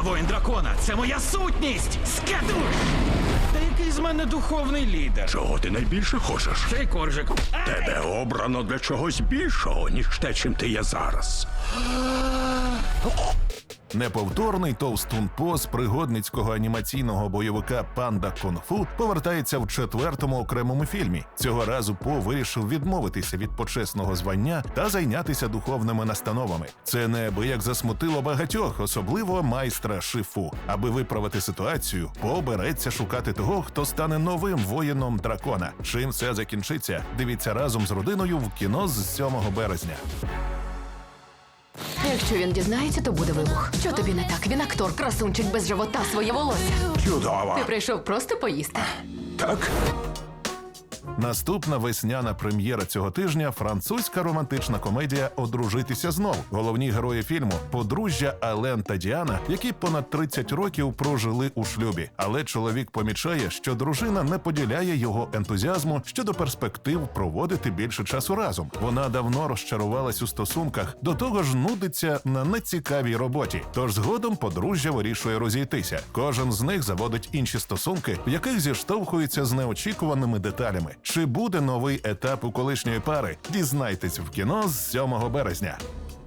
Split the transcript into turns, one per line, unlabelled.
воїн дракона. Це моя сутність. Скедуй! Та який з мене духовний лідер?
Чого ти найбільше хочеш?
Цей коржик.
Тебе обрано для чогось більшого, ніж те, чим ти є зараз.
Неповторний товстун По з пригодницького анімаційного бойовика «Панда Кунг-фу» повертається в 4-му окремому фільмі. Цього разу По вирішив відмовитися від почесного звання та зайнятися духовними настановами. Це неабияк засмутило багатьох, особливо майстра Шифу. Аби виправити ситуацію, По береться шукати того, хто стане новим воїном дракона. Чим все закінчиться? Дивіться разом з родиною в кіно з 7 березня.
Якщо він дізнається, то буде вибух. Що тобі не так? Він актор, красунчик без живота, своє волосся.
Чудово.
Ти прийшов просто поїсти.
Так?
Наступна весняна прем'єра цього тижня – французька романтична комедія «Одружитися знов». Головні герої фільму – подружжя Ален та Діана, які понад 30 років прожили у шлюбі. Але чоловік помічає, що дружина не поділяє його ентузіазму щодо перспектив проводити більше часу разом. Вона давно розчарувалась у стосунках, до того ж нудиться на нецікавій роботі. Тож згодом подружжя вирішує розійтися. Кожен з них заводить інші стосунки, в яких зіштовхується з неочікуваними деталями. Чи буде новий етап у колишньої пари? Дізнайтесь в кіно з 7 березня.